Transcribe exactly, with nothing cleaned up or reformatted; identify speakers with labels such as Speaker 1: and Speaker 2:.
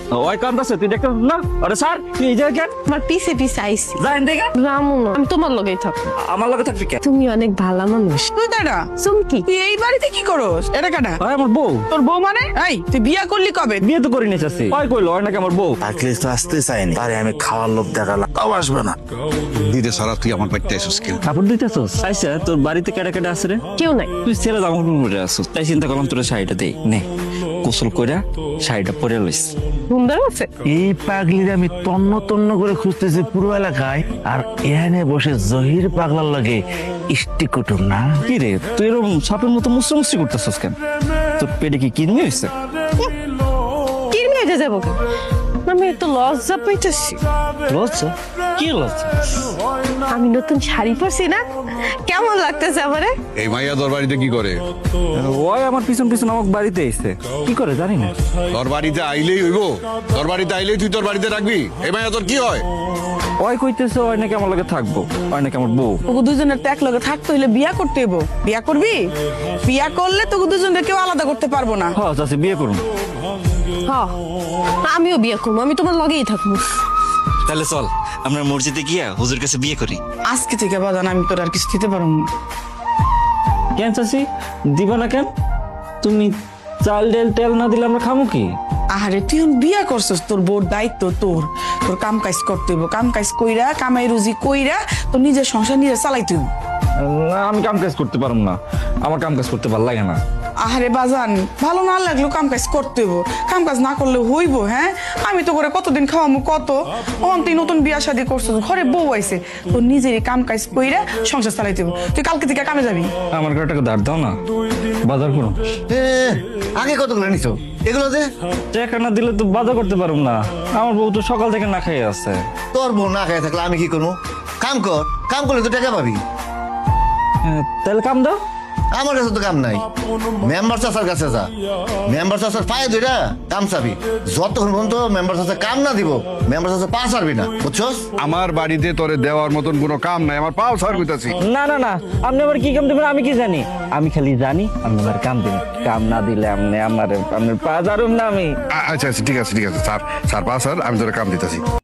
Speaker 1: ওই কান্দাছে তুই দেখতে না? আরে স্যার তুই এই জায়গায় কেন?
Speaker 2: আমার পিছে পিছে আইসি
Speaker 1: যাই দেখে
Speaker 2: রামু না, আমি তোমার লগেই থাকবো।
Speaker 1: আমার লগে থাকবি কেন?
Speaker 2: তুমি অনেক ভালো মানুষ।
Speaker 3: তুই কাটা
Speaker 2: চুমকি,
Speaker 3: তুই এই বাড়িতে কি করস? এটা কাটা
Speaker 1: ওই আমার বউ।
Speaker 3: তোর বউ মানে? এই তুই বিয়া করলি কবে?
Speaker 1: বিয়ে তো করি নিয়েছি। ওই কইলো ওই নাকি আমার বউ।
Speaker 4: থাকলে তো আসতে চাইনি, আরে আমি খাওয়ার লোভ দেখালাম, তাও আসবে না।
Speaker 5: দিতে সারা তুই আমার বাড়িতে এসেছিস কেন?
Speaker 1: কাপড় দিতেছস? আইসা তোর বাড়িতে কেডা কেডা আছে রে?
Speaker 2: কেউ নাই।
Speaker 1: তুই ছেলে জামা কাপড় পরে আসছিস, তাই চিন্তা করলাম তোর শাড়িটা দেই নে, গোসল কইরা শাড়িটা পরে লইস।
Speaker 2: সুন্দর আছে।
Speaker 4: এই পাগলির আমি তন্ন তন্ন করে খুঁজতেছি পুরো এলাকায়, আর এখানে বসে জহির পাগলার লাগে ইষ্টি কুটুম না।
Speaker 1: কি রে তুই এরকম সাপের মতো মুসরি মুসরি করতেছস কেন? তোর পেটে কি কিডনি হয়েছে?
Speaker 2: কিরমি হয়ে যাবো কেন? আমি তো লজ্জা পাইতেছি।
Speaker 1: লজ্জা? কি লজ্জা?
Speaker 2: আমি নতুন শাড়ি পরছি না, কেমন লাগতেছে আমারে?
Speaker 5: এই মাইয়া তোর বাড়িতে কি করে?
Speaker 1: ওই আমার পিছন পিছন আমার বাড়িতে এসে কি করে জানি না।
Speaker 5: তোর বাড়িতে আইলেই হইব? তোর বাড়িতে আইলেই তুই তোর বাড়িতে রাখবি? এই মাইয়া তোর কি হয়?
Speaker 1: ওই কইতেছে ওই নাকি আমার লগে থাকবো, ওই নাকি আমার বউ।
Speaker 3: তোকে দুজনের তো এক লগে থাকতে হইলে বিয়া করতে হইব। বিয়া করবি? বিয়া করলে তোকে দুজনকে কেউ আলাদা করতে পারবো না।
Speaker 1: হ্যাঁ চাচি বিয়ে করুন।
Speaker 2: হ্যাঁ, আমিও বিয়ে করবো, আমি তোমার লগেই থাকবো।
Speaker 6: তাহলে চল আমরা মসজিদে গিয়া হুজুর কাছে বিয়ে করি।
Speaker 3: আজকে থেকে বাজান আমি তোর আর কিছু দিতে পারবো না।
Speaker 1: কেন চাচি দিবা না কেন? তুমি চাল ডাল তেল না দিলে আমরা খামু কি?
Speaker 3: আহারে তুই এখন বিয়া করছস, তোর বোর দায়িত্ব তোর তোর কাম কাজ করতে হইব। কাম কাজ কইরা কামাই রুজি কইরা তোর নিজের সংসার নিজে চালাইতে হইব।
Speaker 1: না আমি কাম কাজ করতে পারবো না, আমার কাম কাজ করতে ভালো লাগে না।
Speaker 3: আহারে বাজান ভালো না লাগলেও কাম কাজ করতে হইব, কাম কাজ না করলে হইব? হ্যাঁ আমি তো করে কতদিন খাওয়ামু কত। ওখান তুই নতুন বিয়া শাদী করছস, ঘরে বউ আইছে, তোর নিজেরই কাম কাজ কইরা সংসার চালাইতে হইব। তুই কালকে থেকে কামে যাবি।
Speaker 1: আমার ঘরে টাকা ধার দাও না, বাজার করুন।
Speaker 4: আগে কতগুলো নিছো এগুলো দে।
Speaker 1: টাকা না দিলে তো বাজার করতে পারবো না, আমার বউ তো সকাল থেকে না খেয়ে আছে।
Speaker 4: তোর বোন না খাই থাকলে আমি কি করবো? কাম কর, কাম করলে তো টাকা পাবি।
Speaker 1: হ্যাঁ, তাহলে কাম দাও।
Speaker 4: আমার কাছে তো কাম নাই, মেম্বার চাচার কাছে যা, মেম্বার চাচার পায়ে দুইটা কাম চাবি। যতক্ষণ পর্যন্ত মেম্বার চাচা কাম না দিব, মেম্বার চাচা পা ছাড়বি না, বুঝছস?
Speaker 5: আমার বাড়িতে তোরে দেওয়ার মতন কোনো কাম নাই, আমার পাও ছাড় কইতাছি।
Speaker 1: না না না, আপনি আবার কি কাম দেবেন আমি কি জানি? আমি খালি জানি আপনি আমার কাম দিন, কাম না দিলে আপনি আমার আপনার পা জারুম না আমি।
Speaker 5: আ- আচ্ছা আচ্ছা ঠিক আছে ঠিক আছে স্যার, স্যার পা স্যার আমি তোরে কাম দিতেছি।